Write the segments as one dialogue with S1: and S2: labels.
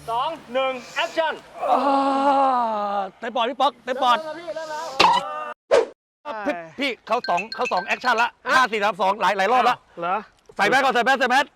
S1: 2 1 แอคชั่น
S2: เต็มปอดพี่ป๊อกเต็มปอดพี่เขาสองแอคชั่นละ5 4 3 2หลายรอบละ
S1: เหรอ
S2: ใส่แมสก่อนใส่แมส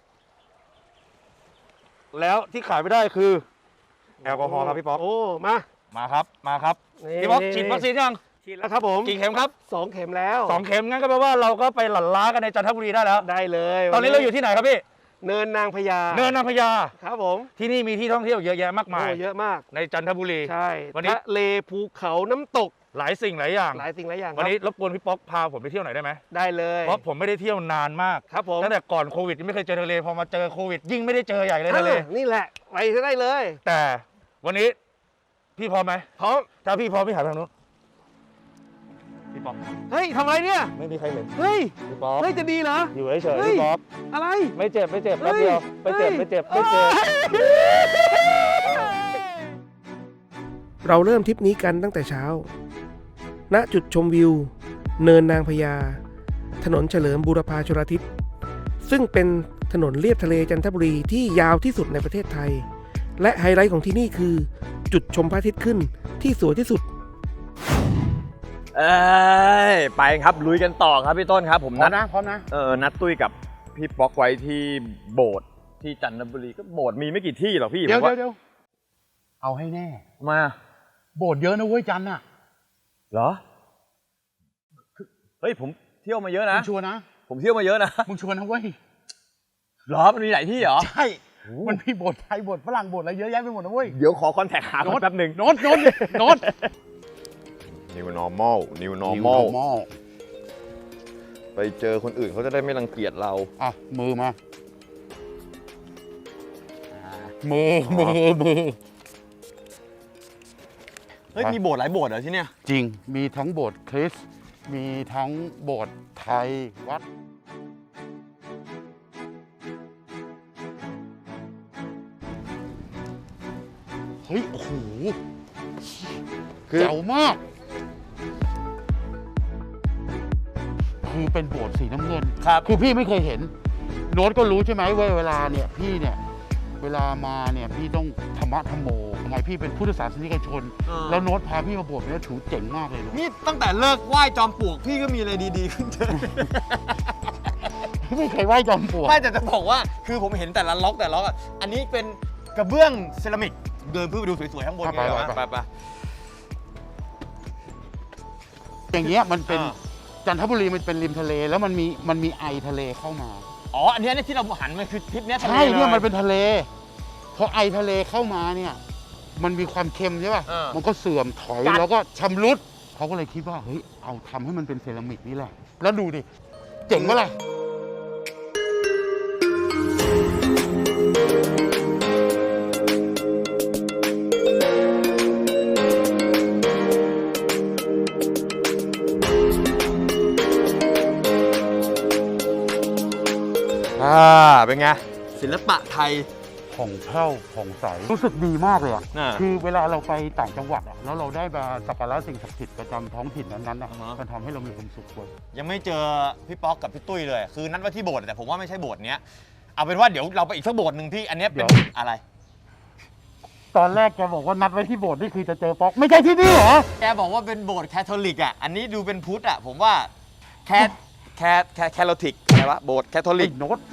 S2: แล้วที่ขายไม่ได้คือแอลกอฮอล์ครับพี่ป๊อก
S1: โอ้มา
S2: ครับพี่ป๊อกฉีดวัคซีนยัง
S1: ฉีดแล้วครับผม
S2: กี่เข็มครับ
S1: 2 เข็มแล้ว
S2: 2 เข็มงั้นก็แปลว่าเราก็ไปหลั่นล้ากันในจันทบุรีได้แล้ว
S1: ได้เลย
S2: ตอนนี้เราอยู่ที่ไหนครับพี่
S1: เนินนางพญาครับผม
S2: ที่นี่มีที่ท่องเที่ยวเยอะแยะมากมาย
S1: เยอะมาก
S2: ในจันทบุรี
S1: ใช่วันนี้ทะเลภูเขาน้ำตก
S2: หลายสิ่งหลายอย่างวันนี้รบกวนพี่ป๊อกพาผมไปเที่ยวหน่อยได้ไหม
S1: ได้เลย
S2: เพราะผมไม่ได้เที่ยวนานมาก
S1: ครับผม
S2: ตั้งแต่ก่อนโควิดไม่เคยเจอทะเลพอมาเจอโควิดยิ่งไม่ได้เจอใหญ่เลยทะเล
S1: นี่แหละไปได้เลย
S2: แต่วันนี้พี่พร้อมไหม
S1: พร้อม
S2: ถ้าพี่พร้อมพี่หันไปทางนู้นพี่ป๊อก
S1: เฮ้ยทำอะไรเนี่ย
S2: ไม่มีใครเห็น
S1: เฮ้ย
S2: พี่ป๊อก
S1: เฮ้ยจะดีเหรอ
S2: อยู่เฉยๆพี่ป๊อก
S1: อะไร
S2: ไม่เจ็บแป๊บเดียวไม่เจ็บ
S1: เราเริ่มทริปนี้กันตั้งแต่เช้าณจุดชมวิวเนินนางพญาถนนเฉลิมบูรพาชลทิศซึ่งเป็นถนนเลียบทะเลจันทบุรีที่ยาวที่สุดในประเทศไทยและไฮไลท์ของที่นี่คือจุดชมพระอาทิตย์ขึ้นที่สวยที่สุด
S3: ไปครับลุยกันต่อครับพี่ต้นครับผมนัด
S1: พร้อมนะ
S3: นัดตุ้ยกับพี่ป๊อกไว้ที่โบสถ์ที่จันทบุรีก็โบสถ์มีไม่กี่ที่หรอกพี่
S4: เดี๋ยวเอาให้แน่
S3: มา
S4: โบสถ์เยอะนะเว้ยจันน่ะ
S3: เหรอเฮ้ยผมเที่ยวมาเยอะนะ
S4: มึงชัวร์นะ
S3: ผมเที่ยวมาเยอะนะ
S4: มึงชัวร์นะเว้ย
S3: เหรอมันมีหลายที่เหรอ
S4: ใช่มันมีโบสถ์ไทยโบสถ์ฝรั่งโบสถ์อะไรเยอะแยะไปหมดนะเว้ย
S3: เดี๋ยวขอคอนแทคหาแป๊บนึง
S4: โน้ต
S3: New normal ไปเจอคนอื่นเขาจะได้ไม่รังเกียจเรา
S4: อ่ะมือมา
S3: เฮ้ยมีโบสถ์หลายโบสถ์เหรอที่เนี่ย
S4: จริงมีทั้งโบสถ์คริสต์มีทั้งโบสถ์ไทยวัดเฮ้ยโอ้โหเจ๋วมากคือเป็นโบสถ์สีน้ำเงินคือพี่ไม่เคยเห็นโน้ตก็รู้ใช่ไหมว่าเวลาเนี่ยพี่เนี่ยเวลามาเนี่ยพี่ต้องธรรมะธรรมโมทำไมพี่เป็นพุทธศาสนิกชนแล้วโน้ตพาพี่มาโบสถ์เนี่ยถือเจ๋งมากเลย
S3: นี่ตั้งแต่เลิกไหว้จอมปลวกพี่ก็มีอะไรดีๆขึ้นเยอะ
S4: ไม่เคยไหว้จอมปลวก
S3: ไม่แต่จะบอกว่าคือผมเห็นแต่ละล็อกอ่ะอันนี้เป็นกระเบื้องเซรามิกเดินเพื่อไปดูสวยๆข้างบนไป
S4: อย่างเงี้ยมันเป็นจันทบุรีมันเป็นริมทะเลแล้วมันมีไอทะเลเข้ามา
S3: อ๋ออันนี้ที่เราหันมันคือทิศนี้
S4: ใช่เนี่ยมันเป็นทะเลพอไอทะเลเข้ามาเนี่ยมันมีความเค็มใช่ป่ะมันก็เสื่อมถอยแล้วก็ชำรุดเขาก็เลยคิดว่าเฮ้ยเอาทำให้มันเป็นเซรามิกนี่แหละแล้วดูดิเจ๋งปะล่ะ
S3: เป็นไงศิลปะไทย
S4: ผ่องแผ้วผ่องใสรู้สึกดีมากเลยอ่ะคือเวลาเราไปต่างจังหวัดอ่ะแล้วเราได้มาสักการะสิ่งศักดิ์สิทธิ์ประจำท้องถิ่นนั้นๆมันทำให้เรามีความสุขเลย
S3: ยังไม่เจอพี่ป๊อกกับพี่ตุ้ยเลยคือนัดว่าที่โบสถ์แต่ผมว่าไม่ใช่โบสถ์เนี้ยเอาเป็นว่าเดี๋ยวเราไปอีกสักโบสถ์หนึ่งพี่อันนี้เป็นอะไร
S4: ตอนแรกแกบอกว่านัดไว้ที่โบสถ์นี่คือจะเจอป๊อกไม่ใช่ที่นี่เหรอ
S3: แกบอกว่าเป็นโบสถ์แคทอลิกอ่ะอันนี้ดูเป็นพุทธอ่ะผมว่าแคทอลิกอะไรวะโบสถ์แคทอลิก
S4: โน้ต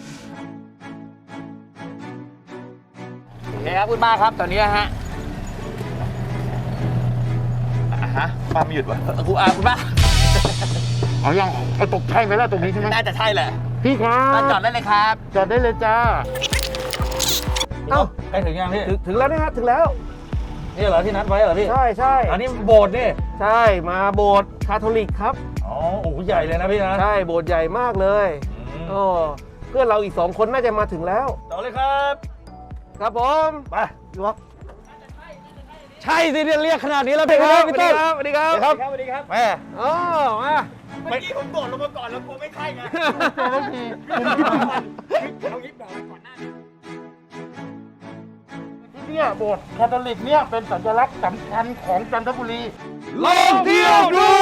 S3: นี่ครับคุณป้าครับตอนนี้ฮะป้าไม่หยุดวะคุณป้า
S4: เอายังเอาตกใช่ไหมล่ะตรงนี้ใช่ไหม
S3: น่าจะใช่แหละ
S4: พี่ครับ
S3: จอดได้เลยครับ
S4: จอดได้เลยจ้า
S2: เอ้าไปถึงยังพี่
S1: ถึงแล้วนะครับถึงแล้ว
S2: นี่เหรอที่นัดไว้เหรอพี่
S1: ใช่
S2: อันนี้โบสถ์นี่
S1: ใช่มาโบสถ์คาทอลิกครับ
S2: อ๋อโอ้ใหญ่เลยนะพี่นะ
S1: ใช่โบสถ์ใหญ่มากเลยโอ้เพื่อนเราอีก2 คนน่าจะมาถึงแล้ว
S2: ต่อเลยครับ
S1: ครับผม
S2: ไปดูครับใช่สิเรียกขนาดนี้แล้วพี่ครับพี่ต้น
S1: สวัสดีครับ
S2: แม่
S1: มา
S3: เมื่อกี้ผมโดดลงมาก่อนแล้วกลัวไม่ใช่ไงเอายิบบอกก่อนหน้า
S4: ที่เนี่ยโบสถ์คาทอลิกเนี่ยเป็นสัญลักษณ์สำคัญของจันทบุรี
S2: ลองเที่ยวดู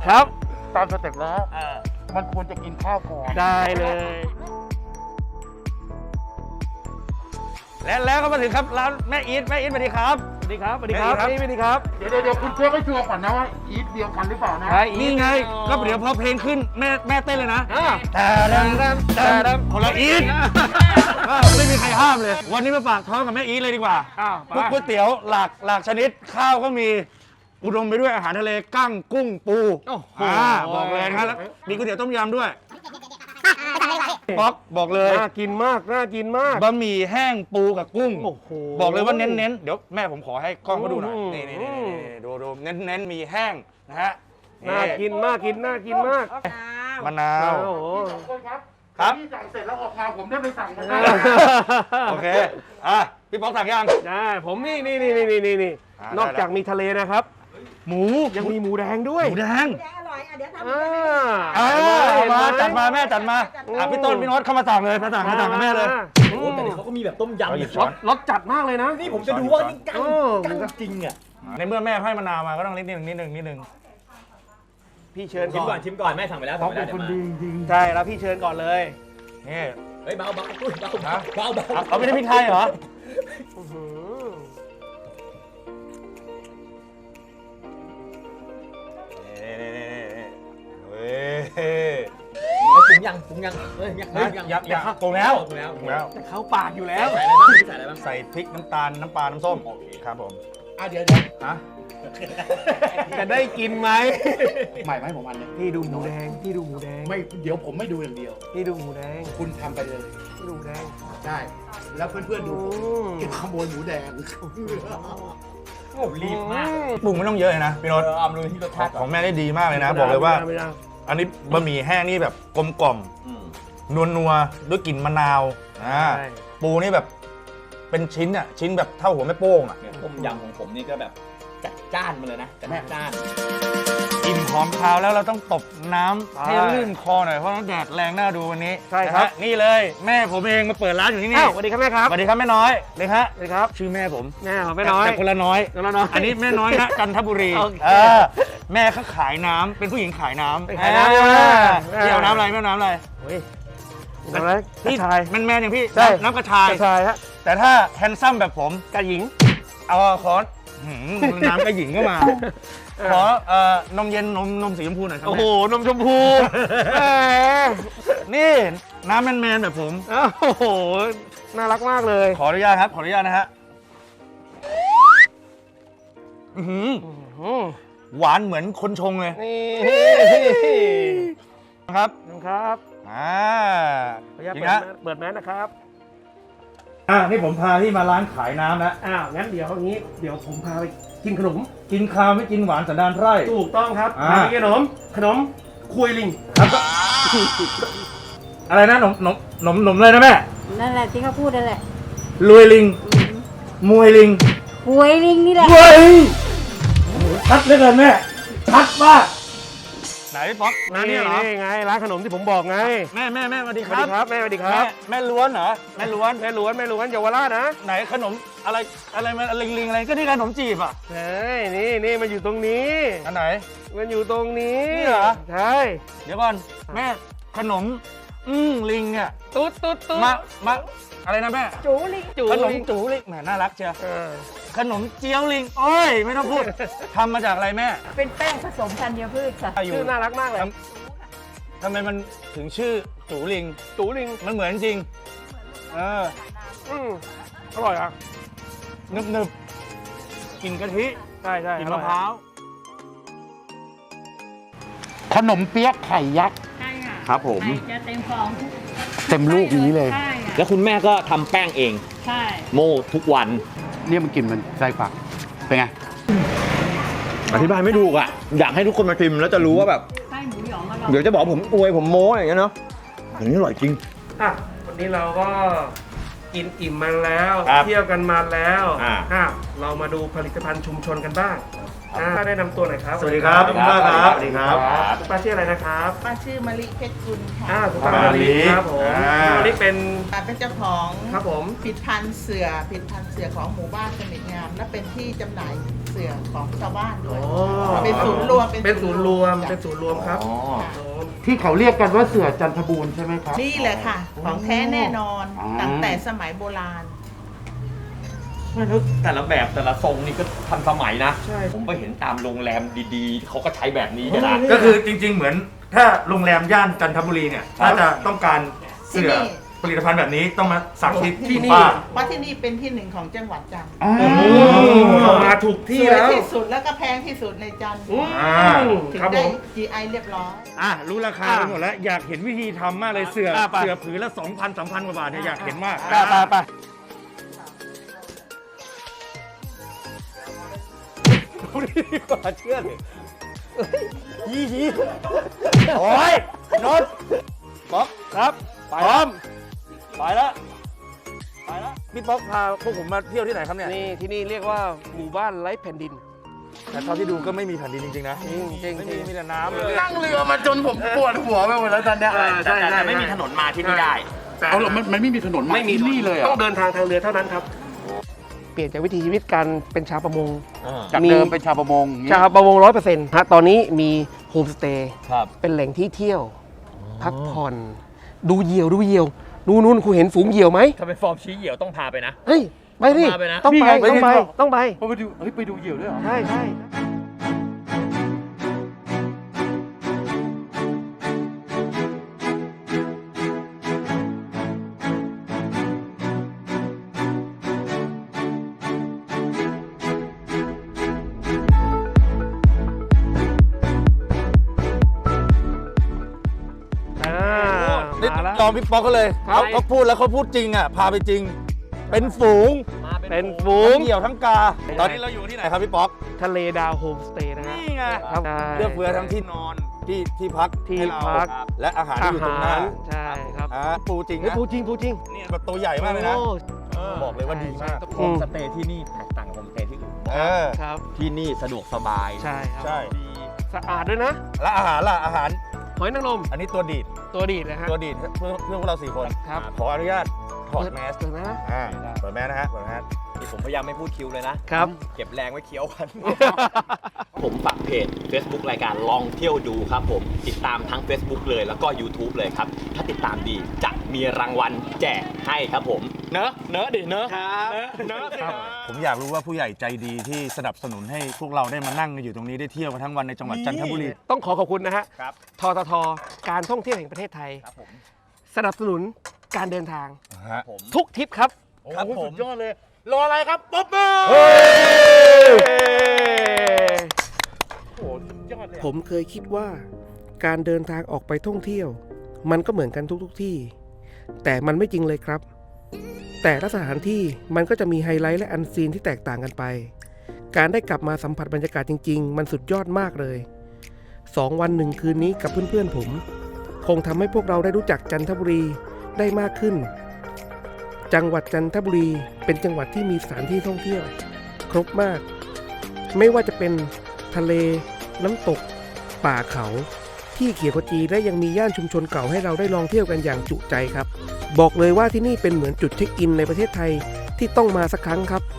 S1: ครับ
S4: ตามสเต็ปแล้ว มันควรจะกินข้าวก่อน
S1: ได้เลย
S2: แล้วก็มาถึงครับร้านแม่อีทสวัสดีครับ
S1: สวัสดีครับ สวัสดีครับ นี่สวัสดีครับ
S4: เดี๋ยวคุณเช็คให้ชัวร์ก่อนนะว่าอีทเดียวกันหรือเปล่านะ
S1: ใช่
S2: นี่ไงก็เดี๋ยวพอเพลงขึ้นแม่เต้นเลยนะ
S1: อ่า
S2: แต่คนละอีทไม่มีใครห้ามเลย วันนี้มาฝากท้องกับแม่อีทเลยดีกว่า
S1: อ้าว
S2: พวกก๋วยเตี๋ยวหลากชนิดข้าวก็มีอุดมไปด้วยอาหารทะเลกั้งกุ้งปู
S1: โอ้โห
S2: บอกเลยนะครับแล้วมีก๋วยเตี๋ยวต้มยำด้วยป๊อกบอกเลย
S1: น่ากินมาก น่ากินมาก
S2: บะหมี่แห้งปูกับกุ้ง
S1: โอ้โห
S2: บอกเลยว่าเน้นๆเดี๋ยวแม่ผมขอให้กล้องเขาดูหน่อย
S1: อืม
S2: นี่ดูเน้นมีแห้งนะฮะ
S1: น่ากินมาก น่ากินมาก
S2: มะนาว
S1: โอ้โห
S2: ครับ
S4: พี่สั่งเสร็จแล้วออกมาผมได้ไปสั่งมาได้
S2: โอเคพี่ป๊อกสั่งยัง
S1: ได้ผมนี่
S2: อ่าน
S1: อกจากมีทะเลนะครับ
S2: หมู
S1: ยังมีหมูแดงด้วย
S2: หมูแดง
S5: อร่อยอ่ะเดี๋ยวทำ
S1: อ่า
S5: ให้
S2: มา
S1: เห็นไห
S2: จัดมาแม่จัดมาพี่ต้นพี่โน้ตเข้ามาสั่งเลยมาสั่งกับแม่เลย
S1: โอ้
S6: แต่เดี๋ยวเขาก็มีแบบต้มยำ
S2: หยิบ
S6: ร
S2: ช้อ
S6: ส
S2: น
S1: รสจัดมากเลยนะ
S6: นี่ผมจะดูว่านี่กั้ง
S1: โอ้
S6: กั้งจริงอ่ะ
S2: ในเมื่อแม่ให้มะนาวมาก็ต้องนิดนึง
S1: พี่เชิญ
S6: ชิม
S1: ก่
S6: ก่
S1: อ
S6: อน นชิมก่อนแม่สั่งไปแล้วสั่งไปแล้วเดี๋ยวมา
S1: ใช่แล้วพี่เชิญก่อนเลย
S2: นี่
S6: เฮ้ยเบาเบาอุ้ยเบาเบาเบาเบา
S2: เอาไม่ได้พริกไทยเหรอ
S1: อื้อหือ
S2: เฮ้ย
S6: ปรุงยังเฮ้ยยัง
S2: ปรุงแล้ว
S6: ปรุงแล้ว
S1: แต่เขาปากอยู่แล้ว
S6: ใส่อะไรบ้างใส่อะไรบ้าง
S2: ใส่พริกน้ำตาลน้ำปลาน้ำส้มครับผม
S4: เดี๋ยว
S2: ฮะ
S1: จะได้กินไหม
S4: ใหม่ไหมผมอันเนี้ย
S1: พี่ดูหมูแดง พี่ดูหมูแดง
S4: ไม่เดี๋ยวผมไม่ดูอย่างเดียว
S1: พี่ดูหมูแดง
S4: คุณทำไปเลย
S1: พี่ดูหมูแดง
S4: ใช่แล้วเพื่อนๆดูผม
S1: อืม
S4: เก็บขโมยหมูแดง
S6: โอ้รีบมาก
S2: ปรุงไม่ต้องเยอะเลยนะพี่โน้ต
S6: เอามาดูที่รสชาติ
S2: ของแม่ได้ดีมากเลยนะ บอกเลยว่า
S1: ไม่ได้
S2: อันนี้บะหมี่แห้งนี่แบบกลมกล่อมนัวด้วยกลิ่นมะนาวปูนี่แบบเป็นชิ้นอ่ะชิ้นแบบเท่าหัวแม่โป้งอ่ะ
S6: เนี่ยต้มยำของผมนี่ก็แบบจัดจ้านมาเลยนะจัดจ้าน
S2: อิ่มหอมคาวแล้วเราต้องตบน้ำให้ลื่นคอหน่อยเพราะน้ำแดดแรงน่าดูวันนี้
S1: ใช่ครับ
S2: นะฮะนี่เลยแม่ผมเองมาเปิดร้านอยู่ที่นี่
S1: อ้าวสวัสดีครับแม่ครับ
S2: สวัสดีครับแม่น้อยเลยฮะ
S1: สวัสดีครับ
S2: ชื่อแม่ผม
S1: แม่ของแม่น้อย
S2: แต่คนละน้อย
S1: คนละน้อย
S2: อันนี้แม่น้อยนะจันทบุรี
S1: โอเค
S2: แม่เขาขายน้ำเป็นผู้หญิงขายน้ำ
S1: ขายน้ำ
S2: พี่เอาน้ำอะไรแม่น้ำอะไร
S1: เฮ้ยอะไรกระชาย
S2: แม่อย่างพี่
S1: ใช่
S2: น้ำกระชาย
S1: กระชายฮะ
S2: แต่ถ้าแฮนซัมแบบผม
S1: กระหญิง
S2: เอาขอน้ำกระหญิงก็มา ขอนมเย็นนมสีชมพูหน่อยครับ
S1: โอ้โห นมชมพูแหม
S2: นี่น้ำแมนๆแบบผม
S1: โอ้โห น่ารักมากเลย
S2: ขออนุญาตครับ ขออนุญาตนะฮะอื้อหือหวานเหมือนคนชงเลย
S1: นี่
S2: ครับ
S1: ครับ
S2: อ่า
S1: ขออนุญาต
S2: จริงนะ
S1: เปิดแมสนะครับ
S2: นี่ผมพาที่มาร้านขายน้ำนะ
S1: อ้าว งั้นเดี๋ยวอย่างนี้ เดี๋ยวผมพาไปกินขนม
S2: กินข้าวไม่กินหวานสันดานไพร่
S1: ถูกต้องครับ
S2: อ่า
S1: พาไปกินขนมคุยลิง
S2: อะไรนะนมเลยนะแม่
S5: นั่นแหละที่เขาพูดนั่นแหละ
S2: รวยลิง มวยลิง
S5: หวยลิงนี่แหละ
S2: เฮ้ยชัดเหลือเกินแม่ ชัดมาก ไหนพี่ป๊อกร้านนี้เหรอ
S1: นี่ไง ร้านขนมที่ผมบอกไง
S2: แม่สวัสดี
S1: ส
S2: ค
S1: วัส
S2: รั
S1: ดี
S2: บ
S1: ครับ แม่สวัสดีครับ
S2: แม่ล้วนเหรอ แม่ล้วน
S1: แม่ล้วนเยาวราชนะ
S2: ไหนขนมอะไรมันลิงอะไรก็นี่ขนมจีบอ่ะ
S1: เฮ้ยนี่มันอยู่ตรงนี้
S2: อันไหน
S1: มันอยู่ตรงนี้
S2: นี่เหรอ
S1: ใช่
S2: เดี๋ยวก่อนแม่ขนมลิงเนี่ย
S1: ตุ๊ด
S2: มาอะไรนะแม่
S5: จูลิง
S1: จู
S2: ขนม
S1: ลิง
S2: จูลิงแหมน่ารักเชียว
S1: เออ
S2: ขนมเจียวลิงโอ้ยไม่ต้องพูด ทำมาจากอะไรแม่
S5: เป็นแป้งผสมธัญพืชค่ะ
S1: ชื่อน่ารักมากเลย
S2: ทำไมมันถึงชื่อจูลิง
S1: จูลิง
S2: มันเหมือนจริง
S1: อร่อยอ่ะ
S2: นึบกินกะทิ
S1: ใช่
S2: กินมะพร้าว
S4: ขนมเปี๊ยะไข่ยักษ์
S5: ใช่ค่ะ
S6: ครับผม
S5: ไข่จะเต็มฟอง
S4: เต็มลูกนี้เลย
S5: ใช่ค่ะ
S6: แล้วคุณแม่ก็ทำแป้งเอง
S5: ใช่
S6: โม่ทุกวัน
S4: เนี่ยมันกลิ่นมันไส้ฝักเป็นไง
S3: อธิบายไม่ถูกอ่ะ อยากให้ทุกคนมาชิมแล้วจะรู้ว่าแบบ
S5: ไส้หมูหยองอร่อย
S3: เดี๋ยวจะบอกผมอวยผมโม้อย่างเงี้ยเนาะอันนี้อร่อยจริง
S1: อ่ะวันนี้เราก็กินอิ่มมาแล้ว
S3: ครับ
S1: เที่ยวกันมาแล้ว
S3: อ่า
S1: เรามาดูผลิตภัณฑ์ชุมชนกันบ้างได้นำตัวหน่อยครับ
S3: สวัสดีครับคุณป้าครับ สวัสดีครับ
S1: คุณป้าชื่ออะไรนะครับ
S7: ป้าชื่อมะลิเพชรกุลค่ะ
S1: คุณป้ามาลีครับผม
S3: อ่า
S1: วันนี้เป็น
S7: ป้าเป็นเจ้าของ
S1: ครับผม
S7: ผลิตภัณฑ์เสือของหมู่บ้านสมิทงาม และเป็นที่จำหน่ายเสือของชาวบ้านด้วยเป็นศูนย์รวม
S1: เป็นศูนย์รวมเป็นศูนย์รวมครับ
S4: ที่เขาเรียกกันว่าเสือจันทบูรณ์ใช่ไหมครับ
S7: นี่แหละค่ะ ของแท้แน่นอน
S4: อ๋อ
S7: ตั้งแต่สมัยโบราณ
S3: ไม่รู้แต่ละแบบแต่ละทรงนี่ก็ทันสมัยนะ
S1: ใช่
S3: ผมไปเห็นตามโรงแรมดีๆ เขาก็ใช้แบบนี้กันนะ
S2: ก็คือจริง ๆ เหมือนถ้าโรงแรมย่านจันทบุรีเนี่ยถ้าจะต้องการเสื้อ
S7: ที่นี่
S2: ผลิตภัณฑ์แบบนี้ต้องมาสั่งที่
S1: ที่นี่
S2: ป้า
S7: เพราะที่นี่เป็นที่หนึ่งของจังหวัดจันทร์
S1: เข้ามาถูกที่
S7: สวย
S1: แล้ว
S7: ที่สุดแล้วก็แพงที่สุดในจันทร์ ถึง
S1: ครับผ
S7: ได้
S1: ม
S7: GI เรียบร้อย
S2: รู้ราคาไปหมดแล้วอยากเห็นวิธีทำมากเลยเสือผืนละ 2,000 3,000 กว่าบาทเนี่ยอยากเห็นมาก
S1: ไปเชื่อเลยยี่โอ้ยนนท์ป๊อกครับพร้อมไปแล้วพี่ป๊อกพาพวกผมมาเที่ยวที่ไหนครับเนี่ยนี่ที่นี่เรียกว่าหมู่บ้านไร้แผ่นดิน แต่เท่าที่ดูก็ไม่มีแผ่นดินจริงๆนะจริงมีแต่น้ำเลย
S4: นั่งเรือมาจนผมปวดหัวไปหมดแล้วตอนเนี้ย
S3: แต่ไม่มีถนนมาที่นี่ได้
S4: เอาหรอมันไม่มีถนนมาที่นี่เลยเหร
S1: ต้อ
S4: อ่ะ
S1: งเดินทางทางเรือเท่านั้นครับ เปลี่ยนจากวิถีชีวิตการเป็นชาวประมง
S4: จากเดิมเป็นชาวประมงอย่างงี้
S1: ชาวประมง 100%ฮะตอนนี้มีโฮมสเตย์
S3: ครับ
S1: เป็นแหล่งที่เที่ยว พักผ่อน ดูเหยี่ยวนู่นคุณเห็นฝูงเหยี่ยวไหม
S3: ถ้าเป็นฟอร์มชี้เหี่ยวต้องพาไปนะ
S1: เฮ้ยไปดิ
S3: ต้องมาไปนะ
S1: ต้องไป
S4: นี่ไง
S1: ต้องไป
S4: ไปดูเฮ้ยไปดูเหยี่ยวด้วยเหรอ
S1: ใช่
S2: นี่
S1: มาแล้ว
S2: ยอมพี่ป๊อกเขาเลย
S1: ครับ
S2: เขาพูดแล้วเขาพูดจริงอ่ะพาไปจริง เป็นฝูง
S1: เป็นฝูง
S2: ทั้งเหยี่ยวทั้งกา ตอนนี้เราอยู่ที่ไหนครับพี่ป๊อก
S1: ทะเลดาวโฮมสเตย์นะฮะ
S2: นี่ไง
S1: ครับ
S2: เลือกเฟือทั้งที่นอนที่พัก
S1: ที่
S2: ให้เรา
S1: พัก
S2: และอาหารที่อยู่ตรงหน้า
S1: ใช่ครับ
S2: ปูจริง
S1: เฮ้ย
S2: นะ
S1: ปูจริง
S2: นี่แบบตัวใหญ่มากเลยนะ
S1: โอ้
S2: บอกเลยว่าดีมาก
S3: โฮมสเตย์ที่นี่แตกต่างกับโฮมสเตย์ที่อื่น
S1: ครับ
S3: ที่นี่สะดวกสบาย
S1: ใช่ครับ
S2: ใช่
S1: สะอาดด้วยนะ
S2: แล้วอาหารล่ะอาหาร
S1: หอยนางรม
S2: อันนี้ตัวดีด
S1: ตัวดีดนะฮะ
S2: ตัวดีดเพื่อพวกเรา4 คน
S1: ครับ
S2: ขออนุญาตถอดแมส
S1: เปิดนะ
S2: เปิดแมสนะฮะเปิดแมส
S3: นี่ผมพยายามไม่พูดคิวเลยนะ
S1: ครับ
S3: เก็บแรงไว้เคี้ยวกัน ผมฝากเพจ Facebook รายการลองเที่ยวดูครับผม ติดตามทั้ง Facebook เลยแล้วก็ YouTube เลยครับ ถ้าติดตามดีจะมีรางวัลแจกให้ครับผม เนอะดิเนอะครับเนอะ
S2: ผมอยากรู้ว่าผู้ใหญ่ใจดีที่สนับสนุนให้พวกเราได้มานั่งอยู่ตรงนี้ได้เที่ยวกันทั้งวันในจังหวัดจันทบุรี
S1: ต้องขอบคุณนะฮะ
S3: ครับ
S1: ททท การท่องเที่ยวแห่งประเทศไทย
S3: ครับผม
S1: สนับสนุนการเดินทาง
S3: ผม
S1: ทุกทริปครับ
S3: ครับผม
S4: ยอดเลย รออะไรครับป๊อบเบอร์โอ้สุดยอดเลย
S1: ผมเคยคิดว่าการเดินทางออกไปท่องเที่ยว มันก็เหมือนกันทุกที่ แต่มันไม่จริงเลยครับ แต่ละสถานที่มันก็จะมีไฮไลท์และอันซีนที่แตกต่างกันไป การได้กลับมาสัมผัสบรรยากาศจริงๆ มันสุดยอดมากเลย 2 วัน 1 คืนนี้กับเพื่อนๆผม คงทำให้พวกเราได้รู้จักจันทบุรีได้มากขึ้น จังหวัดจันทบุรีเป็นจังหวัดที่มีสถานที่ท่องเที่ยว ครบมาก ไม่ว่าจะเป็นทะเล น้ำตก ป่าเขา ที่เขียวขจีและยังมีย่านชุมชนเก่าให้เราได้ลองเที่ยวกันอย่างจุใจครับ บอกเลยว่าที่นี่เป็นเหมือนจุดเช็คอินในประเทศไทยที่ต้องมาสักครั้งครับ